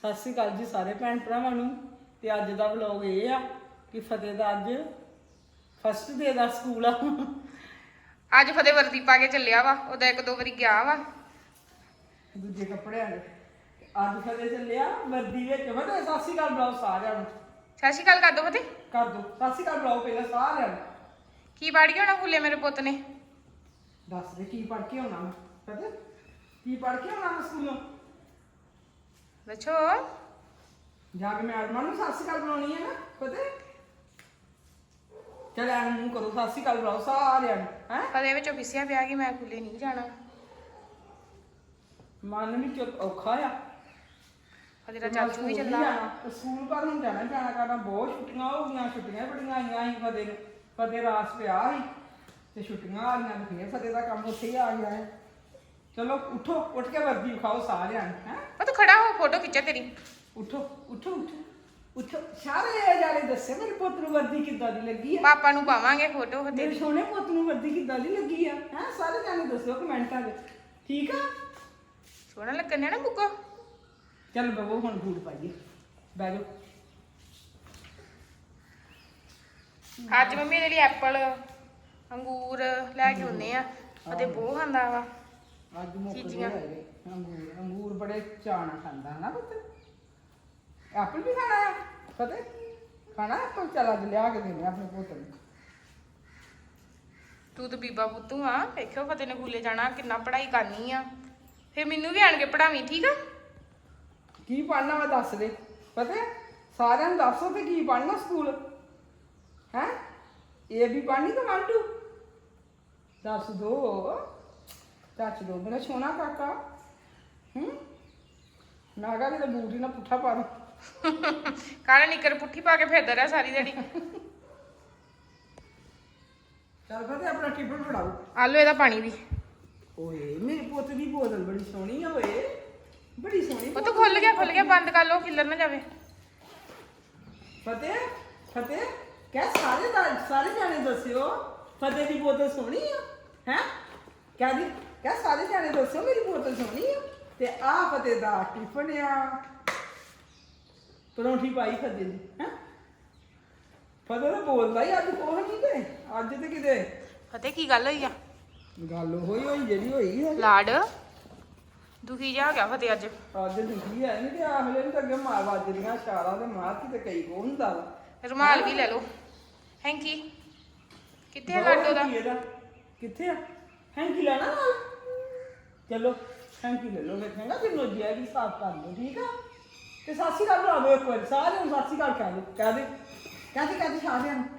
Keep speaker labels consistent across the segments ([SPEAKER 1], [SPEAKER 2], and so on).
[SPEAKER 1] ਸਤਿ ਸ਼੍ਰੀ ਅਕਾਲ ਜੀ ਸਾਰੇ ਭੈਣ ਭਰਾਵਾਂ ਨੂੰ। ਤੇ ਅੱਜ ਦਾ ਵਲੌਗ ਇਹ ਆ ਕਿ ਫਤਿਹ ਦਾ ਅੱਜ ਫਸਟ ਡੇ ਦਾ ਸਕੂਲ ਆ।
[SPEAKER 2] ਅੱਜ ਫਤਿਹ ਵਰਦੀ ਪਾ ਕੇ ਚੱਲਿਆ ਵਾ। ਉਹਦਾ ਇੱਕ ਦੋ ਵਾਰੀ ਗਿਆ ਵਾ
[SPEAKER 1] ਦੂਜੇ ਕੱਪੜਿਆਂ ਦੇ। ਅੱਜ ਫਤਿਹ ਚੱਲਿਆ ਵਰਦੀ ਵਿੱਚ। ਫਤਿਹ ਸਤਿ ਸ਼੍ਰੀ ਅਕਾਲ ਬੁਲਾਓ ਸਾਰਿਆਂ ਨੂੰ।
[SPEAKER 2] ਸਤਿ ਸ਼੍ਰੀ ਅਕਾਲ ਕਰ ਦੋ ਫਤਿਹ।
[SPEAKER 1] ਕਰ ਦੋ ਸਤਿ ਸ਼੍ਰੀ ਅਕਾਲ ਬੁਲਾਓ ਪਹਿਲਾਂ ਸਾਰਿਆਂ ਨੂੰ।
[SPEAKER 2] ਕੀ ਬਾੜੀ ਹੋਣਾ ਫੁੱਲੇ ਮੇਰੇ ਪੁੱਤ ਨੇ।
[SPEAKER 1] ਦੱਸ ਦੇ ਕੀ ਪੜ੍ਹ ਕੇ ਆਉਣਾ ਮੈਂ। ਫਤਿਹ ਕੀ ਪੜ੍ਹ ਕੇ ਆਉਣਾ ਮੈਂ ਸਕੂਲੋਂ।
[SPEAKER 2] ਦੱਸੋ।
[SPEAKER 1] ਜਾ ਕੇ ਮੈਡਮਾਂ ਨੂੰ ਸਤਿ ਸ਼੍ਰੀ ਅਕਾਲ ਬੁਲਾਉਣੀ ਹੈ ਨਾ ਫਤਿਹ। ਚੱਲ ਐਨ ਮੂੰਹ ਕਰੋ ਸਤਿ ਸ਼੍ਰੀ ਅਕਾਲ ਬੁਲਾਓ ਸਾਰਿਆਂ ਨੂੰ। ਹੈ
[SPEAKER 2] ਫਤਿਹ ਵਿੱਚੋਂ ਫਿਸਿਆ ਪਿਆ ਕਿ ਮੈਂ ਫੁੱਲੇ ਨਹੀਂ ਜਾਣਾ।
[SPEAKER 1] ਮਨ ਵਿੱਚ ਔਖਾ ਆ।
[SPEAKER 2] ਫਤਿਹ ਦਾ ਚਾਚੂ ਵੀ ਚੱਲਾ।
[SPEAKER 1] ਸਕੂਲ ਪਰ ਹੁਣ ਜਾਣਾ ਕਰਨਾ ਬਹੁਤ ਛੁੱਟੀਆਂ ਹੋ ਗਈਆਂ। ਛੁੱਟੀਆਂ ਬੜੀਆਂ ਆਈਆਂ ਸੀ ਫਤਿਹ ਨੂੰ। ਫਤਿਹ ਰਾਸ ਪਿਆ ਸੀ ਤੇ ਛੁੱਟੀਆਂ ਆ ਗਈਆਂ ਤੇ ਫੇਰ ਫਤਿਹ ਦਾ ਕੰਮ ਉੱਥੇ ਹੀ ਆ ਗਿਆ ਹੈ। ਚਲੋ ਉੱਠੋ ਉੱਠ ਕੇ ਵਰਦੀ ਵਿਖਾਓ ਸਾਰਿਆਂ ਨੂੰ। ਹੈ
[SPEAKER 2] ਉਹ ਤੂੰ ਖੜਾ ਹੋ ਫੋਟੋ ਖਿੱਚਾ ਤੇਰੀ।
[SPEAKER 1] ਉੱਠੋ ਉੱਠੋ ਉੱਠੋ ਉੱਠੋ ਸਾਰੇ ਜਾਣੇ ਦੱਸੇ ਮੇਰੇ ਪੁੱਤ ਨੂੰ ਵਰਦੀ ਕਿੱਦਾਂ ਦੀ ਲੱਗੀ ਆ।
[SPEAKER 2] ਪਾਪਾ ਨੂੰ ਪਾਵਾਂਗੇ ਫੋਟੋ
[SPEAKER 1] ਮੇਰੇ
[SPEAKER 2] ਤੇਰੀ।
[SPEAKER 1] ਸੋਹਣੇ ਪੁੱਤ ਨੂੰ ਵਰਦੀ ਕਿੱਦਾਂ ਦੀ ਲੱਗੀ ਆ। ਹੈ ਸਾਰੇ ਜਾਣੇ ਦੱਸੋ ਕਮੈਂਟਾਂ 'ਚ। ਠੀਕ ਆ
[SPEAKER 2] ਸੋਹਣਾ ਲੱਗਣ ਨਾ ਬੁੱਕੋ।
[SPEAKER 1] ਚੱਲ ਬਵੋ ਹੁਣ ਬੂਟ ਪਾਈਏ। ਬਹਿ ਜਾਓ।
[SPEAKER 2] ਅੱਜ ਮੰਮੀ ਇਹਦੇ ਲਈ ਐਪਲ ਅੰਗੂਰ ਲੈ ਕੇ ਆਉਨੇ ਆ। ਫਤਿਹ ਬਹੁਤ ਖਾਂਦਾ ਵਾ।
[SPEAKER 1] ਅੱਜ ਮੁੱਕਦੇ
[SPEAKER 2] ਚੀਜ਼ੀਆਂ।
[SPEAKER 1] ਹੈਗੇ ਅੰਗੂਰ। ਅੰਗੂਰ ਬੜੇ ਚਾਅ ਨਾਲ ਖਾਂਦਾ ਹਨਾ ਪੁੱਤ। ਐਪਲ ਵੀ ਖਾਣਾ ਆ ਫਤਿਹ। ਖਾਣਾ ਐਪਲ। ਚੱਲ ਅੱਜ ਲਿਆ ਕੇ ਦੇਣੇ ਆਪਣੇ ਪੁੱਤ ਨੂੰ।
[SPEAKER 2] ਤੂੰ ਤਾਂ ਬੀਬਾ ਪੁੱਤੂ ਆ। ਵੇਖਿਓ ਫਤਿਹ ਨੇ ਸਕੂਲੇ ਜਾਣਾ ਕਿੰਨਾ ਪੜ੍ਹਾਈ ਕਰਨੀ ਆ। ਫਿਰ ਮੈਨੂੰ ਵੀ ਆਣ ਕੇ ਪੜਾਵੀਂ ਠੀਕ ਆ।
[SPEAKER 1] ਕੀ ਪੜ੍ਹਨਾ ਵਾ ਦੱਸ ਦੇ ਫਤਿਹ। ਸਾਰਿਆਂ ਨੂੰ ਦੱਸੋ ਤੇ ਕੀ ਪੜ੍ਹਨਾ ਸਕੂਲ। ਹੈ ਇਹ ਵੀ ਪੜ੍ਹਨੀ ਤਾਂ 1 2 ਦੱਸ ਦੋ। ਦੱਸ ਦੋ ਮੇਰਾ ਸੋਹਣਾ ਕਾਕਾ। ਮੈਂ ਕਹਾਂ ਕਿਤੇ ਬੂਟ ਹੀ ਨਾ ਪੁੱਠਾ ਪਾ ਦੋ।
[SPEAKER 2] ਕਾਲਾ ਨਿੱਕਰ ਪੁੱਠੀ ਪਾ ਕੇ ਫਿਰਦਾ ਰਿਹਾ ਸਾਰੀ ਦਿਹਾੜੀ।
[SPEAKER 1] ਚੱਲ ਫਤਿਹ ਆਪਣਾ ਟਿਫਨ ਫੜਾਓ।
[SPEAKER 2] ਆਲੂ ਇਹਦਾ ਪਾਣੀ ਵੀ।
[SPEAKER 1] ਓਏ ਮੇਰੇ ਪੁੱਤ ਦੀ ਬੋਤਲ ਬੜੀ ਸੋਹਣੀ ਆ। ਓਏ ਬੜੀ ਸੋਹਣੀ
[SPEAKER 2] ਉਹ ਤਾਂ ਖੁੱਲ ਗਿਆ ਬੰਦ ਕਰ ਲੋ ਖਿੱਲਰ ਨਾ ਜਾਵੇ।
[SPEAKER 1] ਫਤਿਹ ਫਤਿਹ ਕਹਿ ਸਾਰੇ ਜਾਣੇ ਦੱਸਿਓ ਫਤਿਹ ਦੀ ਬੋਤਲ ਸੋਹਣੀ ਆ। ਹੈ ਕਹਿ ਸਾਰੇ ਜਾਣੇ ਦੱਸਿਓ ਮੇਰੀ ਬੋਤਲ ਸੋਹਣੀ ਆ। ਤੇ ਆ ਫਤਿਹ ਦਾ ਟਿਫਨ ਆ। ਪਰੌਂਠੀ ਪਾਈ ਫਤਿਹ ਦੀ। ਹੈ ਫਤਿਹ ਤਾਂ ਬੋਲਦਾ ਹੀ ਅੱਜ ਕੋਹ ਨਹੀਂ ਤੇ ਅੱਜ ਤੇ ਕਿਤੇ
[SPEAKER 2] ਫਤਿਹ ਕੀ ਗੱਲ ਹੋਈ ਆ।
[SPEAKER 1] ਗੱਲ ਹੋਈ ਜਿਹੜੀ ਹੋਈ ਹੈ।
[SPEAKER 2] ਲਾਡ ਦੁਖੀ ਜਾ ਹੋ ਗਿਆ ਫਤਿਹ ਅੱਜ।
[SPEAKER 1] ਅੱਜ ਦੁਖੀ ਹੈ ਨਹੀਂ ਤੇ ਆਹਲੇ ਨੂੰ ਤਾਂ ਅੱਗੇ ਮਾਰ ਵੱਜਦੀਆਂ ਇਸ਼ਾਰਾ ਤੇ ਮਾਰ ਕੇ ਤੇ ਕਈ ਕੋ ਹੁੰਦਾ ਵਾ।
[SPEAKER 2] ਰੁਮਾਲ ਵੀ ਲੈ ਲਓ। ਹੈਂਕੀ ਕਿੱਥੇ ਆ ਲਾਡੋ ਦਾ।
[SPEAKER 1] ਕਿੱਥੇ ਆ ਹੈਂਕੀ ਲੈਣਾ ਨਾਲ। ਚਲੋ ਹੈਂਕੀ ਲੈ ਲਓ। ਵੇਖਾਂਗਾ ਕਿ ਨੋਜਿਆ ਵੀ ਸਾਫ਼ ਕਰ ਲਓ। ਠੀਕ ਆ ਤੇ ਸਤਿ ਸ਼੍ਰੀ ਅਕਾਲ ਬੁਲਾਓ ਇੱਕ ਵਾਰੀ ਸਾਰਿਆਂ ਨੂੰ। ਸਤਿ ਸ਼੍ਰੀ ਅਕਾਲ ਕਹਿ ਦੇ ਕਹਦੇ ਸਾਰਿਆਂ ਨੂੰ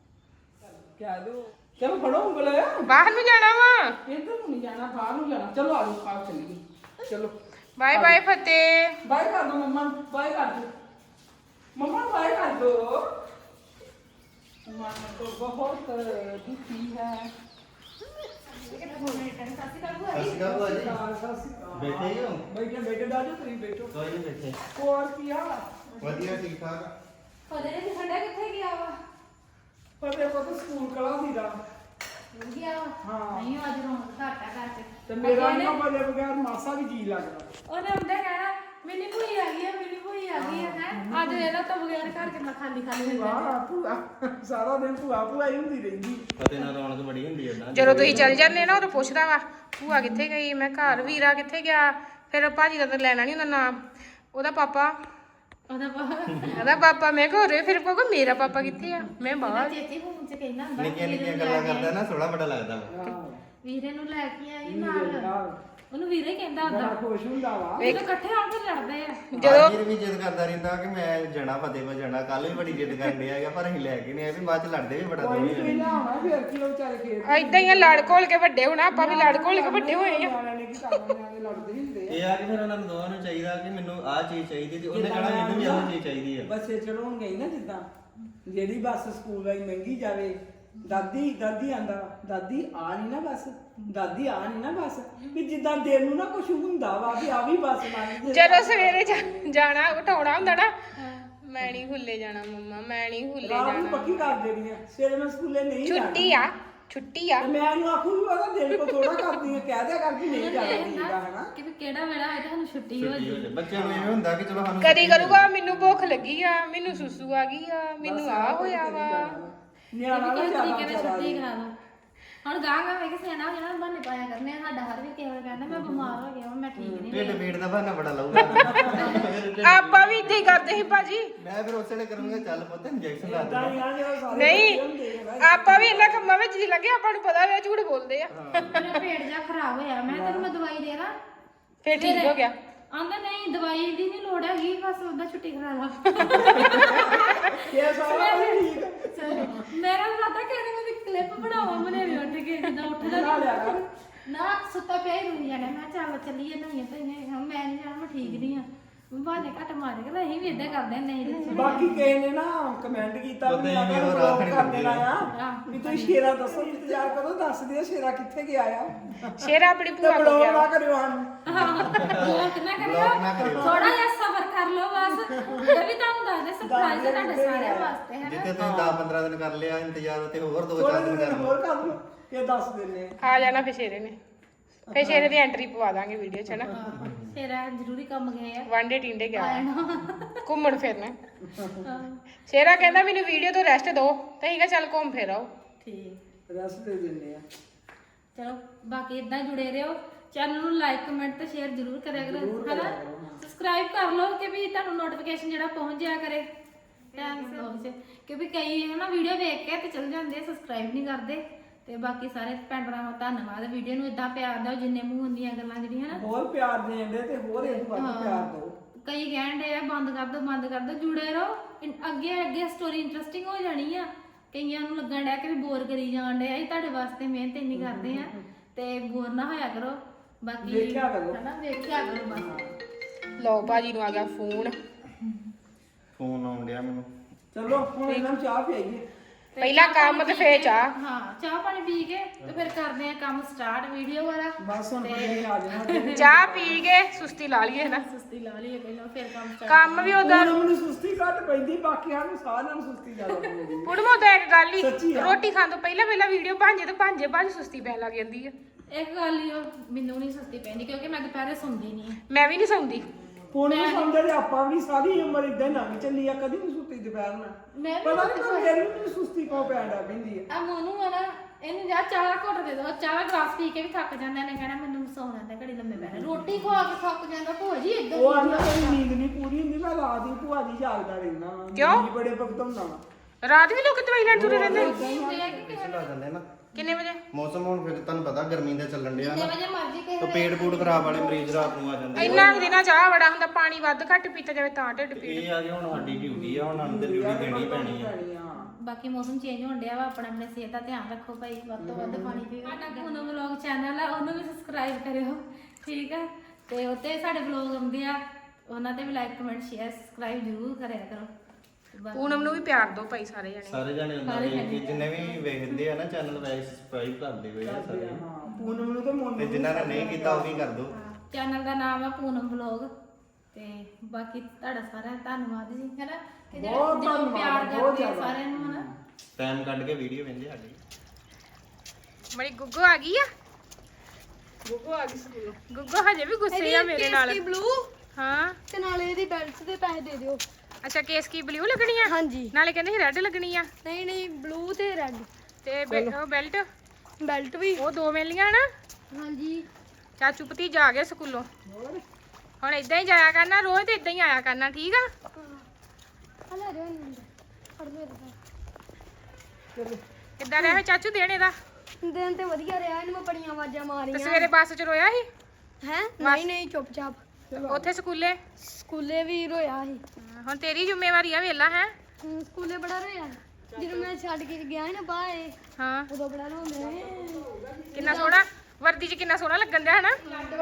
[SPEAKER 1] ਕਹਿ ਦੋ। ਚਲੋ ਫੜੋ ਉਂਗਲ।
[SPEAKER 2] ਬਾਹਰ ਨੂੰ ਜਾਣਾ ਵਾ।
[SPEAKER 1] ਇੱਧਰ ਨੂੰ ਨਹੀਂ ਜਾਣਾ ਬਾਹਰ ਨੂੰ ਜਾਣਾ। ਚਲੋ ਆ ਜਾਓ ਆਪ ਚੱਲੀਏ। ਚਲੋ
[SPEAKER 2] ਬਾਏ ਬਾਏ ਫਤਿਹ।
[SPEAKER 1] ਬਾਏ ਕਰ ਦੋ ਮੰਮਾ ਨੂੰ। ਬਾਏ ਕਰ ਦੋ ਮੰਮਾ ਨੂੰ। ਬਾਏ ਕਰ ਦੋ। ਮਨ ਤੋਂ ਬਹੁਤ ਦੁਖੀ ਹੈ।
[SPEAKER 3] ਸਤਿ ਸ਼੍ਰੀ ਅਕਾਲ ਭੂਆ ਜੀ। ਬੈਠੇ ਹੀ ਹੋ?
[SPEAKER 1] ਬੈਠੇ ਦਾਦੂ ਤੁਸੀਂ ਬੈਠੋ।
[SPEAKER 3] ਕੋਈ ਨਹੀਂ ਬੈਠੇ।
[SPEAKER 1] ਹੋਰ ਕੀ ਹਾਲ ਆ।
[SPEAKER 3] ਵਧੀਆ ਠੀਕ ਠਾਕ।
[SPEAKER 4] ਫਤਿਹ ਨੇ ਠੰਡਾ ਕਿੱਥੇ ਗਿਆ ਵਾ।
[SPEAKER 1] ਫਤਿਹ ਪੁੱਤ ਸਕੂਲ ਕਲਾ ਦੀ ਦਾ।
[SPEAKER 4] ਗਿਆ ਵਾ।
[SPEAKER 1] ਹਾਂ।
[SPEAKER 4] ਨਹੀਂ ਅੱਜ ਰੌਣਕ ਘੱਟ ਆ ਕਰਕੇ।
[SPEAKER 1] ਤੇ ਮੇਰਾ ਨਾ ਬਲੇ ਬਗੈਰ ਮਾਸਾ ਵੀ ਜੀ ਲੱਗਦਾ।
[SPEAKER 4] ਉਹਨੇ ਹੁੰਦੇ ਕਹਿਣਾ ਮੇਰੀ ਭੂਈ ਆ ਗਈ ਆ ਮੇਰੀ ਭੂਈ ਆ ਗਈ ਆ। ਹੈ ਅੱਜ ਇਹਦਾ ਤਾਂ ਬਗੈਰ ਘਰ ਕਿੰਨਾ ਖਾਲੀ ਖਾਲੀ ਹੁੰਦਾ।
[SPEAKER 1] ਵਾਹ ਭੂਆ ਸਾਰਾ ਦਿਨ ਭੂਆ ਹੀ ਹੁੰਦੀ ਰਹਿੰਦੀ।
[SPEAKER 3] ਫਤਿਹ ਨਾਲ ਰੌਣਕ ਬੜੀ ਹੁੰਦੀ ਹੈ ਨਾ।
[SPEAKER 2] ਜਦੋਂ ਤੁਸੀਂ ਚੱਲ ਜਾਂਦੇ ਨਾ ਉਦੋਂ ਪੁੱਛਦਾ ਵਾ ਭੂਆ ਕਿੱਥੇ ਗਈ। ਮੈਂ ਘਰ। ਵੀਰਾ ਕਿੱਥੇ ਗਿਆ। ਫਿਰ ਭਾਜੀ ਦਾ ਤਾਂ ਲੈਣਾ ਨਹੀਂ ਹੁੰਦਾ ਨਾਮ। ਉਹਦਾ ਪਾਪਾ ਉਹਦਾ ਪਾਪਾ। ਮੈਂ ਕਿਹਾ ਹੋਰੇ ਫਿਰ ਕਹੂਗਾ ਮੇਰਾ ਪਾਪਾ ਕਿੱਥੇ ਆ। ਮੈਂ ਬਾਹਰ।
[SPEAKER 4] ਚੇਤੀ ਫੋਨ ਚ ਕਹਿੰਦਾ ਹੁੰਦਾ
[SPEAKER 3] ਨਿੱਕੀਆਂ ਨਿੱਕੀਆਂ ਗੱਲਾਂ ਕਰਦਾ ਨਾ ਸੋਹਣਾ ਬੜਾ ਲੱਗਦਾ ਵਾ।
[SPEAKER 4] ਵੀਰੇ ਨੂੰ ਲੈ ਕੇ ਆਈ ਨਾਲ। ਉਹਨੂੰ ਵੀਰੇ ਕਹਿੰਦਾ
[SPEAKER 1] ਬੜਾ
[SPEAKER 4] ਹੁੰਦਾ।
[SPEAKER 1] ਖੁਸ਼ ਹੁੰਦਾ ਵਾ।
[SPEAKER 4] ਉਹ ਇਕੱਠੇ ਆਉਣ ਕੇ ਲੜਦੇ ਆ।
[SPEAKER 2] ਜਦੋਂ
[SPEAKER 3] ਅੱਜ ਵੀ ਜਿੱਦ ਕਰਦਾ ਰਹਿੰਦਾ ਕਿ ਮੈਂ ਜਾਣਾ ਫਤਿਹ ਕੋਲ ਜਾਣਾ। ਕੱਲ ਵੀ ਬੜੀ ਜਿੱਦ ਕਰਨ ਡਿਆ ਹੈਗਾ ਪਰ ਅਸੀਂ ਲੈ ਕੇ ਨਹੀਂ ਆਏ ਵੀ ਬਾਅਦ ਚ ਲੜਦੇ ਵੀ ਬੜਾ
[SPEAKER 1] ਕੋਈ
[SPEAKER 3] ਦੋਵੇਂ
[SPEAKER 1] ਨਹੀਂ ਆਉਣਾ ਫਿਰ ਕੀ ਉਹ ਵਿਚਾਰੇ ਖੇਡ।
[SPEAKER 2] ਏਦਾਂ ਹੀ ਆ ਲੜ ਘੋਲ ਕੇ ਵੱਡੇ ਹੋਣਾ। ਆਪਾਂ ਵੀ ਲੜ ਘੋਲ ਕੇ ਵੱਡੇ ਹੋਏ ਆ।
[SPEAKER 1] ਨਿਆਣਿਆਂ ਨੇ ਕੀ ਕਰਨਾ। ਨਿਆਣੇ ਲੜਦੇ ਹੀ ਹੁੰਦੇ ਆ।
[SPEAKER 3] ਇਹ ਆ ਕਿ ਫਿਰ ਉਹਨਾਂ ਨੂੰ ਦੋਵਾਂ ਨੂੰ ਚਾਹੀਦਾ ਕਿ ਮੈਨੂੰ ਆਹ ਚੀਜ਼ ਚਾਹੀਦੀ ਤੇ ਉਹਨੇ ਕਹਿਣਾ ਮੈਨੂੰ ਵੀ ਆਹ ਚੀਜ਼ ਚਾਹੀਦੀ ਹੈ।
[SPEAKER 1] ਬੱਸੇ ਚੜਾਉਣ ਗਈ ਨਾ ਜਿੱਦਾਂ ਜਿਹੜੀ ਬੱਸ ਸਕੂਲ ਵਾਲੀ ਮਹਿੰਗੀ ਜਾਵੇ। ਦਾਦੀ ਆਂਦਾ ਦਾਦੀ ਆ ਨਹੀਂ ਨਾ ਬੱਸ। ਦਾਦੀ ਆ ਨਹੀਂ ਨਾ ਬੱਸ। ਵੀ ਜਿੱਦਾਂ ਦਿਲ ਨੂੰ ਨਾ ਕੁਛ ਹੁੰਦਾ ਵਾ ਵੀ ਆ ਵੀ ਬੱਸ ਮੰਗਦੀ।
[SPEAKER 2] ਜਦੋਂ ਸਵੇਰੇ ਜਾਣਾ ਉਠਾਉਣਾ ਹੁੰਦਾ ਨਾ ਮੈਂ ਨਹੀਂ ਹੁੱਲੇ ਜਾਣਾ ਮੰਮਾ। ਮੈਂ ਨਹੀਂ ਹੁੱਲੇ
[SPEAKER 1] ਰਾਤ ਨੂੰ
[SPEAKER 2] ਜਾਣਾ।
[SPEAKER 1] ਪੱਕੀ ਕਰ ਦੇਣੀ ਆ। ਸਵੇਰੇ ਮੈਂ ਸਕੂਲੇ ਨਹੀਂ ਜਾਣਾ।
[SPEAKER 2] ਛੁੱਟੀ ਆ ਛੁੱਟੀ ਆ
[SPEAKER 1] ਤੇ ਮੈਂ ਇਹਨੂੰ ਆਖੂ ਵੀ ਉਹਦਾ ਦਿਲ ਕੋ ਥੋੜਾ ਕਰਦੀ ਹੈ ਕਹਿ ਦਿਆ ਕਰ ਵੀ ਨਹੀਂ ਜਾਣਾ ਦੀਦਾ ਹਨਾ
[SPEAKER 4] ਕਿ ਵੀ ਕਿਹੜਾ ਵੇਲਾ ਹੈ ਤੁਹਾਨੂੰ ਛੁੱਟੀ ਹੋ ਜੀ
[SPEAKER 3] ਬੱਚਿਆਂ ਨੂੰ ਇਹ ਹੁੰਦਾ ਕਿ ਚਲੋ ਸਾਨੂੰ
[SPEAKER 2] ਕਦੀ ਕਰੂਗਾ ਮੈਨੂੰ ਭੁੱਖ ਲੱਗੀ ਆ ਮੈਨੂੰ ਸੁਸੂ ਆ ਗਈ ਆ ਮੈਨੂੰ ਆ ਹੋਇਆ ਵਾ
[SPEAKER 1] ਨਿਆਣਾ ਨਾ
[SPEAKER 4] ਕਿਸ
[SPEAKER 1] ਜ਼ਿਆਦਾ
[SPEAKER 4] ਤਰੀਕੇ ਨਾਲ ਛੁੱਟੀ ਕਰਾ ਦੋ ਹੁਣ ਗਾਂਗਾ ਵੇ ਕਿ ਸਿਆਣਾ ਹੋ ਜਾਣਾ ਬਹਾਨੇ ਪਾਇਆ ਕਰਨੇ ਆ। ਸਾਡਾ ਹਰ ਵੀ ਕਿਹੋ ਕਹਿੰਦਾ ਮੈਂ ਬਿਮਾਰ ਹੋ ਗਿਆ ਮੈਂ ਠੀਕ ਨਹੀਂ
[SPEAKER 3] ਢਿੱਡ ਪੀੜ ਦਾ ਬਹਾਨਾ ਬੜਾ ਲਾਊਗਾ
[SPEAKER 2] ਆਪਾਂ ਵੀ ਇਦਾਂ ਹੀ ਕਰਦੇ ਸੀ ਭਾਜੀ
[SPEAKER 3] ਮੈਂ ਫਿਰ ਉਸੇ ਵੇਲੇ ਕਰੂੰਗਾ ਚੱਲ ਪੁੱਤ ਇੰਜੈਕਸ਼ਨ ਲਾ
[SPEAKER 1] ਤਾਂ
[SPEAKER 3] ਦੇ
[SPEAKER 1] ਹੀ ਆ ਜਿਹੜੇ ਸਾਰੇ
[SPEAKER 2] ਨਹੀਂ
[SPEAKER 1] ਹੁੰਦੇ ਆ ਨਾ।
[SPEAKER 2] ਆਪਾਂ ਵੀ ਇਹਨਾਂ ਕੰਮਾਂ ਵਿੱਚ ਜੀ ਲੱਗੇ ਆਪਾਂ ਨੂੰ ਪਤਾ ਵੇ ਝੂਠ ਬੋਲਦੇ ਆ
[SPEAKER 4] ਮੇਰਾ ਪੇਟ ਜਾ ਖਰਾਬ ਹੋਇਆ ਮੈਂ ਤੈਨੂੰ ਮੈਂ ਦਵਾਈ ਦੇ ਦਾਂ
[SPEAKER 2] ਫੇਰ ਠੀਕ ਹੋ ਗਿਆ
[SPEAKER 4] ਆਂਦਾ ਨਹੀਂ ਦਵਾਈ ਦੀ ਨਹੀਂ ਲੋੜ ਹੈਗੀ ਬਸ ਉਹਦਾ ਛੁੱਟੀ ਕਰਾ ਲਾ
[SPEAKER 1] ਇਹ ਸਾਰਾ ਠੀਕ
[SPEAKER 4] ਮੇਰਾ ਰਾਤਾ ਕਹਿੰਦੇ ਮੈਂ ਕਲਿੱਪ ਬਣਾਵਾਂ ਮਨੇ ਵੀ ਉੱਠ ਕੇ ਜਿੱਦਾਂ ਉੱਠਦਾ
[SPEAKER 1] ਬਣਾ ਲਿਆ ਕਰ।
[SPEAKER 4] ਨਾ ਸੁੱਤਾ ਪਿਆ ਹੀ ਰੋਈ ਜਾਣਾ ਮੈਂ ਚੱਲ ਚੱਲੀਏ ਨਹੀਂ ਤੇ ਮੈਂ ਨਹੀਂ ਜਾਣਾ ਮੈਂ ਠੀਕ ਨਹੀਂ ਆ ਬਾਹਨੇ ਘੱਟ ਮਾਰ ਕੇ ਅਸੀਂ ਵੀ ਇਦਾਂ ਕਰਦੇ ਨਹੀਂ ਤੇ
[SPEAKER 1] ਬਾਕੀ ਕਿਸੇ ਨੇ ਨਾ ਕਮੈਂਟ ਕੀਤਾ ਵੀ
[SPEAKER 3] ਪਤਾ ਹੀ
[SPEAKER 1] ਮੈਂ
[SPEAKER 3] ਨਹੀਂ ਉਹ
[SPEAKER 1] ਤੁਹਾਨੂੰ
[SPEAKER 3] ਰਾਤ
[SPEAKER 1] ਬਲੌਗ
[SPEAKER 3] ਨੂੰ
[SPEAKER 1] ਕਰ
[SPEAKER 3] ਹੁੰਦੀ
[SPEAKER 1] ਦੇਣਾ
[SPEAKER 3] ਆ।
[SPEAKER 1] ਆ ਵੀ ਤੁਸੀਂ ਸ਼ੇਰਾ ਦੱਸੋ ਇੰਤਜ਼ਾਰ ਕਰੋ ਦੱਸ ਦਿਓ ਸ਼ੇਰਾ ਕਿੱਥੇ ਗਿਆ ਆ
[SPEAKER 2] ਸ਼ੇਰਾ ਆਪਣੀ
[SPEAKER 1] ਤੇ
[SPEAKER 2] ਭੂਆ ਕੋਲ
[SPEAKER 1] ਬਲੌਗ
[SPEAKER 2] ਗਿਆ
[SPEAKER 1] ਨਾ ਕਰਿਓ ਸਾਨੂੰ
[SPEAKER 4] ਬਲੌਕ ਨਾ ਕਰਿਓ ਥੋੜਾ ਜਿਹਾ ਸਬਰ ਕਰ ਲਓ ਬਸ ਇਹ ਵੀ ਤੁਹਾਨੂੰ ਦੱਸਦੇ ਸਰਪ੍ਰਾਈਜ਼ ਹੈ ਤੁਹਾਡੇ ਸਾਰਿਆਂ ਵਾਸਤੇ ਹੈ
[SPEAKER 3] ਜਿੱਥੇ ਤੁਸੀਂ 10-15 ਦਿਨ ਕਰ ਲਿਆ ਇੰਤਜ਼ਾਰ ਤੇ ਹੋਰ 2-4
[SPEAKER 1] ਥੋੜੇ
[SPEAKER 3] ਦਿਨ
[SPEAKER 1] ਦਿਨ
[SPEAKER 3] ਕਰ ਲਓ
[SPEAKER 1] ਹੋਰ ਕਰ ਲਓ ਇਹ ਦੱਸ ਦਿੰਨੇ
[SPEAKER 2] ਆ ਜਾਣਾ ਫੇ ਸ਼ੇਰੇ ਨੇ ਫੇ ਸ਼ੇਰੇ ਦੀ ਐਂਟਰੀ ਪਵਾ ਦਾਂਗੇ ਵੀਡੀਓ 'ਚ ਨਾ
[SPEAKER 4] ਤੇਰਾ ਜ਼ਰੂਰੀ ਕੰਮ ਗਏ ਆ
[SPEAKER 2] ਵਾਂਡੇ ਟਿੰਡੇ ਗਿਆ ਘੁੰਮਣ ਫਿਰਨਾ ਸ਼ੇਰਾ ਕਹਿੰਦਾ ਮੈਨੂੰ ਵੀਡੀਓ ਤੋਂ ਰੈਸਟ ਦਿਓ ਤੇ ਅਸੀਂ ਕਿਹਾ ਚੱਲ ਘੁੰਮ ਫਿਰ ਆਓ
[SPEAKER 4] ਠੀਕ
[SPEAKER 1] ਰੈਸਟ ਦੇ ਦਿੰਨੇ ਆ
[SPEAKER 4] ਚਲੋ ਬਾਕੀ ਇਦਾਂ ਜੁੜੇ ਰਹੋ ਚੈਨਲ ਨੂੰ ਲਾਈਕ ਕਮੈਂਟ ਤੇ ਸ਼ੇਅਰ ਜ਼ਰੂਰ ਕਰਿਆ ਕਰੋ ਹਨਾ ਸਬਸਕ੍ਰਾਈਬ ਕਰ ਲਓ ਕਿ ਵੀ ਤੁਹਾਨੂੰ ਨੋਟੀਫਿਕੇਸ਼ਨ ਜਿਹੜਾ ਪਹੁੰਚ ਜਾਇਆ ਕਰੇ ਕਿਉਂਕਿ ਕਈ ਹਨਾ ਵੀਡੀਓ ਵੇਖ ਕੇ ਤੇ ਚਲ ਜਾਂਦੇ ਸਬਸਕ੍ਰਾਈਬ ਨਹੀਂ ਕਰਦੇ ਤੇ ਬਾਕੀ ਸਾਰੇ ਭੈਣ ਭਰਾਵਾਂ ਦਾ ਧੰਨਵਾਦ ਵੀਡੀਓ ਨੂੰ ਇਦਾਂ ਪਿਆਰ ਦਿਓ ਜਿੰਨੇ ਮੂੰਹ ਹੁੰਦੀਆਂ ਗੱਲਾਂ ਜਿਹੜੀਆਂ ਹਨਾ
[SPEAKER 1] ਹੋਰ ਪਿਆਰ ਦੇਂਦੇ ਤੇ ਹੋਰ ਇਹ ਵੱਧ ਪਿਆਰ ਦਿਓ
[SPEAKER 4] ਕਈ ਕਹਿਣ ਦੇ ਆ ਬੰਦ ਕਰ ਦੋ ਜੁੜੇ ਰਹੋ ਅੱਗੇ ਸਟੋਰੀ ਇੰਟਰਸਟਿੰਗ ਹੋ ਜਾਣੀ ਆ ਕਈਆਂ ਨੂੰ ਲੱਗਣ ਡਿਆ ਕਿ ਬੋਰ ਕਰੀ ਜਾਣ ਡਿਆ ਅਸੀਂ ਤੁਹਾਡੇ ਵਾਸਤੇ ਮਿਹਨਤ ਇੰਨੀ ਕਰਦੇ ਆ ਤੇ ਬੋਰ ਨਾ ਹੋਇਆ ਕਰੋ ਬਾਕੀ
[SPEAKER 1] ਵੇਖਿਆ ਕਰੋ
[SPEAKER 4] ਹਨਾ ਵੇਖਿਆ ਕਰੋ ਬਸ
[SPEAKER 2] ਲਓ ਭਾਜੀ ਨੂੰ ਆ ਗਿਆ ਫੋਨ
[SPEAKER 3] ਫੋਨ ਆਉਣ ਡਿਆ ਮੈਨੂੰ
[SPEAKER 1] ਚਲੋ ਹੁਣ ਇਹਨਾਂ ਨੂੰ ਚਾਹ ਪਿਆਈਏ
[SPEAKER 2] ਪਹਿਲਾ ਕੰਮ ਤੇ ਫੇਰ ਚਾਹ
[SPEAKER 4] ਹਾਂ ਚਾਹ ਪਾਣੀ ਪੀ ਕੇ ਤੇ ਫਿਰ ਕਰਦੇ ਆ ਕੰਮ ਸਟਾਰਟ ਵੀਡੀਓ ਵਾਲਾ
[SPEAKER 1] ਬਸ ਹੁਣ ਬਣੇ ਆ ਜਾਣਾ
[SPEAKER 2] ਚਾਹ ਪੀ ਕੇ ਸੁਸਤੀ ਲਾ ਲਈਏ ਨਾ
[SPEAKER 4] ਸੁਸਤੀ ਲਾ ਲਈਏ ਪਹਿਲਾਂ ਫਿਰ ਕੰਮ ਸਟਾਰਟ
[SPEAKER 2] ਕੰਮ ਵੀ ਉਹਦਾ
[SPEAKER 1] ਮੈਨੂੰ ਸੁਸਤੀ ਘੱਟ ਪੈਂਦੀ ਬਾਕੀਆਂ ਨੂੰ ਸਾਰਿਆਂ ਨੂੰ ਸੁਸਤੀ ਜ਼ਿਆਦਾ ਪੈਂਦੀ
[SPEAKER 2] ਪੁੜਮੋ ਤਾਂ ਇੱਕ ਗੱਲ ਹੀ
[SPEAKER 1] ਸੱਚੀ ਆ।
[SPEAKER 2] ਰੋਟੀ ਖਾਣ ਤੋਂ ਪਹਿਲਾਂ ਵੀਡੀਓ ਭਾਂਜੇ ਤੇ ਭਾਂਜੇ ਸੁਸਤੀ ਪੈਣ ਲੱਗ ਜਾਂਦੀ ਆ
[SPEAKER 4] ਇੱਕ ਗੱਲ ਹੀ ਮੈਨੂੰ ਨਹੀਂ ਸੁਸਤੀ ਪੈਂਦੀ ਕਿਉਂਕਿ ਮੈਂ ਦੁਪਹਿਰੇ ਸੌਂਦੀ ਨਹੀਂ
[SPEAKER 2] ਮੈਂ ਵੀ ਨਹੀਂ ਸੌਂਦੀ
[SPEAKER 1] ਹੁਣ ਵੀ ਸਮਝਦੇ ਤੇ ਆਪਾਂ ਵੀ ਸਾਰੀ ਉਮਰ ਇਦਾਂ ਲੰਘ ਚੱਲੀ ਆ ਕਦੀ ਨਹੀਂ ਸੁੱਤੀ ਦੁਪਹਿਰ ਨੂੰ
[SPEAKER 4] ਮੈਂ ਵੀ
[SPEAKER 1] ਪਤਾ ਨਹੀਂ ਪਰ ਮੇਰੀ ਵੀ ਮੈਨੂੰ ਸੁਸਤੀ ਕਿਉਂ ਪੈਣ ਲੱਗ ਪੈਂਦੀ ਆ
[SPEAKER 4] ਆ ਮੋਨੂ ਆ ਨਾ ਇਹਨੂੰ ਜਾ ਚਾਹ ਘੁੱਟ ਦੇ ਦੋ ਚਾਹ ਦਾ ਗਲਾਸ ਪੀ ਕੇ ਵੀ ਥੱਕ ਜਾਂਦਾ ਇਹਨੇ ਕਹਿਣਾ ਮੈਨੂੰ ਸੌਣਾ ਤੇ ਘੜੀ ਲੰਮੇ ਪੈਣਾ ਰੋਟੀ ਖਵਾ ਕੇ ਥੱਕ ਜਾਂਦਾ ਭੂਆ ਜੀ ਇਦਾਂ
[SPEAKER 1] ਉਹ ਆਂਦਾ ਮੇਰੀ ਨੀਂਦ ਨਹੀਂ ਪੂਰੀ ਹੁੰਦੀ ਮੈਂ ਰਾਤ ਹੀ ਭੂਆ ਦੀ ਜਾਗਦਾ ਰਹਿੰਦਾ ਵਾਂ
[SPEAKER 2] ਕਿਉਂ?
[SPEAKER 1] ਨੀਂਦ ਬੜੇ ਭਗਤਾਉਂਦਾ ਵਾ
[SPEAKER 2] ਰਾਤ ਵੀ ਲੋਕ ਦਵਾਈ ਲੈਣ ਤੁਰੇ ਰਹਿੰਦੇ
[SPEAKER 3] ਲਾ ਜਾਂਦੇ ਨਾ
[SPEAKER 2] ਕਿੰਨੇ ਵਜੇ
[SPEAKER 3] ਮੌਸਮ ਹੁਣ ਫਿਰ ਤੁਹਾਨੂੰ ਪਤਾ ਗਰਮੀ ਦਾ ਚੱਲਣ ਡਿਆ
[SPEAKER 4] ਕਿੰਨੇ
[SPEAKER 3] ਨਾ
[SPEAKER 4] ਵਜੇ ਮਰਜ਼ੀ ਕਿਸੇ
[SPEAKER 3] ਤਾਂ ਪੇਟ ਪੂਟ ਖਰਾਬ ਵਾਲੇ ਮਰੀਜ਼ ਰਾਤ ਨੂੰ ਆ ਜਾਂਦੇ
[SPEAKER 2] ਇੰਨਾ ਕੁ ਦਿਨਾਂ ਚਾਹ ਬੜਾ ਹੁੰਦਾ ਪਾਣੀ ਵੱਧ ਘੱਟ ਪੀਤਾ ਜਾਵੇ ਤਾਂ ਢਿੱਡ ਪੀੜ
[SPEAKER 3] ਇਹ ਆ ਕਿ ਹੁਣ ਸਾਡੀ ਡਿਊਟੀ ਆ ਹੁਣ ਅੰਦਰ ਡਿਊਟੀ ਦੇਣੀ ਪੈਣੀ ਆ
[SPEAKER 4] ਬਾਕੀ ਮੌਸਮ ਚੇਂਜ ਹੋਣ ਡਿਆ ਵਾ ਆਪਣੇ ਸਿਹਤ ਦਾ ਧਿਆਨ ਰੱਖੋ ਭਾਈ ਵੱਧ ਤੋਂ ਵੱਧ ਪਾਣੀ ਪੀਓ ਸਾਡਾ ਪੂਨਮ ਵਲੌਗ ਚੈਨਲ ਆ ਉਹਨੂੰ ਵੀ ਸਬਸਕ੍ਰਾਈਬ ਕਰਿਓ ਠੀਕ ਆ ਤੇ ਉੱਤੇ ਸਾਡੇ ਵਲੌਗ ਆਉਂਦੇ ਆ ਉਹਨਾਂ ਤੇ ਵੀ ਲਾਈਕ ਕਮੈਂਟ ਸ਼ੇਅਰ ਸਬਸਕ੍ਰਾਈਬ ਜ਼ਰੂਰ ਕਰਿਆ ਕਰੋ ਤੇ ਬਾਕੀ
[SPEAKER 2] ਪੂਨਮ ਨੂੰ ਵੀ ਪਿਆਰ ਦਿਓ ਭਾਈ ਸਾਰੇ ਜਣੇ
[SPEAKER 3] ਸਾਰੇ ਜਾਣੇ ਉਹਨਾਂ ਦੇ ਕਿ ਜਿੰਨੇ ਵੀ ਵੇਖਦੇ ਆ ਨਾ ਚੈਨਲ ਵੈਸੇ ਸਬਸਕ੍ਰਾਈਬ ਕਰਦੇ ਹੋਏ ਆ ਸਾਰੇ
[SPEAKER 1] ਪੂਨਮ ਨੂੰ ਤੇ ਮੋਨੂ
[SPEAKER 3] ਤੇ ਜਿਨ੍ਹਾਂ ਨੇ ਨਹੀਂ ਕੀਤਾ ਉਹ ਵੀ ਕਰ ਦਿਓ
[SPEAKER 4] ਚੈਨਲ ਦਾ ਨਾਮ ਆ ਪੂਨਮ ਵਲੌਗ ਤੇ ਬਾਕੀ ਤੁਹਾਡਾ ਸਾਰਿਆਂ ਦਾ ਧੰਨਵਾਦ ਜੀ ਹੈਨਾ ਕਿ
[SPEAKER 1] ਬਹੁਤ
[SPEAKER 4] ਜਿਹੜਾ
[SPEAKER 1] ਧੰਨਵਾਦ,
[SPEAKER 4] ਪਿਆਰ
[SPEAKER 1] ਬਹੁਤ
[SPEAKER 4] ਕਰਦੇ ਆ
[SPEAKER 1] ਜ਼ਿਆਦਾ।
[SPEAKER 4] ਸਾਰਿਆਂ ਨੂੰ ਹਨਾ
[SPEAKER 3] ਟਾਈਮ ਕੱਢ ਕੇ ਵੀਡੀਓ ਵੇਂਦੇ ਸਾਡੀ
[SPEAKER 2] ਬੜੀ ਗੁੱਗੂ ਆ ਗਈ ਆ ਗੁੱਗੂ ਹਜੇ ਵੀ ਗੁੱਸੇ ਆ ਮੇਰੇ ਨਾਲ
[SPEAKER 5] ਬਲੂ
[SPEAKER 2] ਹਾਂ
[SPEAKER 5] ਤੇ ਨਾਲੇ ਇਹਦੀ ਬੈਲਟ ਦੇ ਪੈਸੇ ਦੇ ਦਿਓ
[SPEAKER 2] ਅੱਛਾ ਕੇਸ ਕੀ ਬਲੂ ਲੱਗਣੀ ਆ
[SPEAKER 5] ਹਾਂਜੀ
[SPEAKER 2] ਨਾਲੇ ਕਹਿੰਦੇ ਸੀ ਰੈੱਡ ਲੱਗਣੀ ਆ
[SPEAKER 5] ਨਹੀਂ ਨਹੀਂ ਬਲੂ ਤੇ ਰੈੱਡ
[SPEAKER 2] ਤੇ ਉਹ ਬੈਲਟ
[SPEAKER 5] ਬੈਲਟ ਵੀ
[SPEAKER 2] ਉਹ ਦੋ ਮਿਲੀਆਂ ਨਾ
[SPEAKER 5] ਹਾਂਜੀ
[SPEAKER 2] ਚਾਚੂ ਭਤੀਜਾ ਆ ਗਿਆ ਸਕੂਲੋਂ ਹੁਣ ਇਦਾਂ ਹੀ ਜਾਇਆ ਕਰਨਾ ਰੋਜ਼ ਤੇ ਇਦਾਂ ਹੀ ਆਇਆ ਕਰਨਾ ਠੀਕ ਆ
[SPEAKER 5] ਹਲੇ ਰਿਓ ਨਹੀਂ ਫੜ ਲਓ
[SPEAKER 2] ਕਿੱਦਾਂ ਰਿਹਾ ਫਿਰ ਚਾਚੂ ਦੇਣੇ ਦਾ
[SPEAKER 5] ਦਿਨ ਤੇ ਵਧੀਆ ਰਿਹਾ ਇਹਨੂੰ ਮੈਂ ਬੜੀਆਂ ਆਵਾਜ਼ਾਂ
[SPEAKER 2] ਤੇ
[SPEAKER 5] ਮਾਰੀਆਂ
[SPEAKER 2] ਸਵੇਰੇ ਬੱਸ 'ਚ ਰੋਇਆ ਸੀ
[SPEAKER 5] ਹੈ ਨਹੀਂ ਨਹੀਂ ਚੁੱਪਚਾਪ
[SPEAKER 2] ਉੱਥੇ ਸਕੂਲੇ
[SPEAKER 5] ਸਕੂਲੇ ਵੀ ਰੋਇਆ ਸੀ
[SPEAKER 2] ਹੁਣ ਤੇਰੀ ਜ਼ਿੰਮੇਵਾਰੀ ਆ ਵੇਲਾ ਹੈ
[SPEAKER 5] ਸਕੂਲੇ ਬੜਾ ਰੋਇਆ ਜਦੋਂ ਮੈਂ ਛੱਡ ਕੇ ਗਿਆ ਸੀ ਨਾ ਬਾਹਰ
[SPEAKER 2] ਹਾਂ
[SPEAKER 5] ਉਦੋਂ ਬੜਾ ਰੋਂਦਾ
[SPEAKER 2] ਕਿੰਨਾ ਸੋਹਣਾ ਵਰਦੀ 'ਚ ਕਿੰਨਾ ਸੋਹਣਾ ਲੱਗਣ ਦਿਆ ਹਨਾ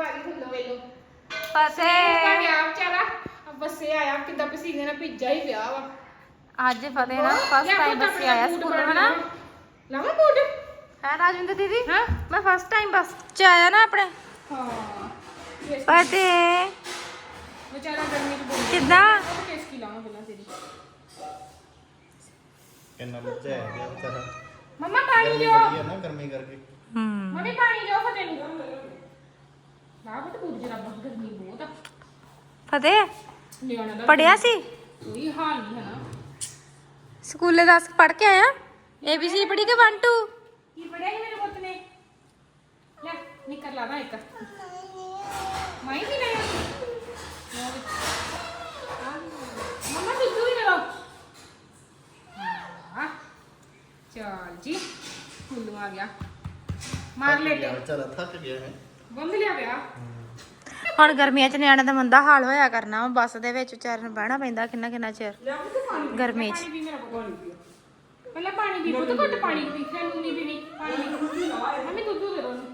[SPEAKER 4] ਫਸੇ
[SPEAKER 2] ਗਿਆ ਵਿਚਾਰਾ ਬੱਸੇ ਆਇਆ ਕਿੱਦਾਂ ਪਸੀਨੇ ਨਾਲ ਭਿੱਜਾ ਹੀ ਪਿਆ ਵਾ
[SPEAKER 4] ਅੱਜ ਫਤਿਹ ਨਾ ਫਸਟ ਟਾਈਮ ਬੱਸੇ ਆਇਆ ਸਕੂਲ ਹਨਾ
[SPEAKER 2] ਲਾਵਾਂ ਬੂਟ
[SPEAKER 4] ਹੈ ਰਾਜਿੰਦਰ ਦੀਦੀ
[SPEAKER 2] ਹਾਂ
[SPEAKER 4] ਮੈਂ ਫਸਟ ਟਾਈਮ ਬੱਸ ਚ ਆਇਆ ਨਾ ਆਪਣੇ
[SPEAKER 2] ਹਾਂ
[SPEAKER 4] ਫਤਿਹ
[SPEAKER 2] ਵਿਚਾਰਾ ਗਰਮੀ 'ਚ ਬੋਲ
[SPEAKER 4] ਕਿੱਦਾਂ
[SPEAKER 2] ਕੇਸ ਕੀ ਲਾਵਾਂ ਪਹਿਲਾਂ ਤੇਰੀ
[SPEAKER 3] ਕਿੰਨਾ ਬੱਚਾ ਹੈ ਗਿਆ ਵਿਚਾਰਾ
[SPEAKER 2] ਮੰਮਾ ਪਾਣੀ
[SPEAKER 3] ਗਰਮੀ
[SPEAKER 2] ਦਿਓ
[SPEAKER 3] ਬੜੀ ਆ ਨਾ ਗਰਮੀ ਕਰਕੇ
[SPEAKER 2] ਮੰਮੀ ਪਾਣੀ ਦਿਓ ਫਤਿਹ ਨੂੰ ਨਾ ਬਟ ਬੁੱਝ ਰੱਬ ਗਰਮੀ ਬਹੁਤ ਆ
[SPEAKER 5] ਫਤਿਹ
[SPEAKER 2] ਨਿਆਣਾ ਦਾ
[SPEAKER 5] ਪੜਿਆ ਸੀ
[SPEAKER 2] ਕੋਈ ਹਾਲ ਨਹੀਂ ਹੈ ਨਾ
[SPEAKER 5] ਸਕੂਲੇ ਦੱਸ ਪੜ ਕੇ ਆਇਆ ABC ਪੜੀ ਕਿ 1 2
[SPEAKER 2] ਕੀ ਪੜਿਆ ਸੀ ਮੇਰੇ ਪੁੱਤ ਨੇ ਲੈ ਨਿਕਲ ਲਾ ਨਾ ਇੱਕ ਮਾਈ ਵੀ ਨਹੀਂ ਮਮਾ ਦੁੱਧ ਵੀ ਲੈ ਲਓ ਹਾਂ ਚਲ ਜੀ ਫੁੱਲੂ ਆ ਗਿਆ ਮਾਰ ਲੇਟੇ
[SPEAKER 3] ਵਿਚਾਰਾ ਥੱਕ ਗਿਆ ਹੈ
[SPEAKER 2] ਬੰਦ ਲਿਆ ਪਿਆ
[SPEAKER 5] ਹੁਣ ਗਰਮੀਆਂ ਚ ਨਿਆਣੇ ਦਾ ਮੰਦਾ ਹਾਲ ਹੋਇਆ ਕਰਨਾ ਵਾ ਬੱਸ ਦੇ ਵਿੱਚ ਵਿਚਾਰੇ ਨੂੰ ਬਹਿਣਾ ਪੈਂਦਾ ਕਿੰਨਾ ਕਿੰਨਾ ਚਿਰ ਗਰਮੀ ਚ
[SPEAKER 2] ਪਾਣੀ ਪੀ ਮੇਰਾ ਪਾਣੀ ਪੀ ਪਹਿਲਾਂ ਪਾਣੀ ਪੀ ਪੁੱਤ ਘੁੱਟ ਪਾਣੀ ਪੀ ਫਿਰ ਨੂੰ ਨਹੀਂ ਪੀਣੀ ਪਾਣੀ ਮੰਮੀ ਦੁੱਧ ਦੇ ਦੋ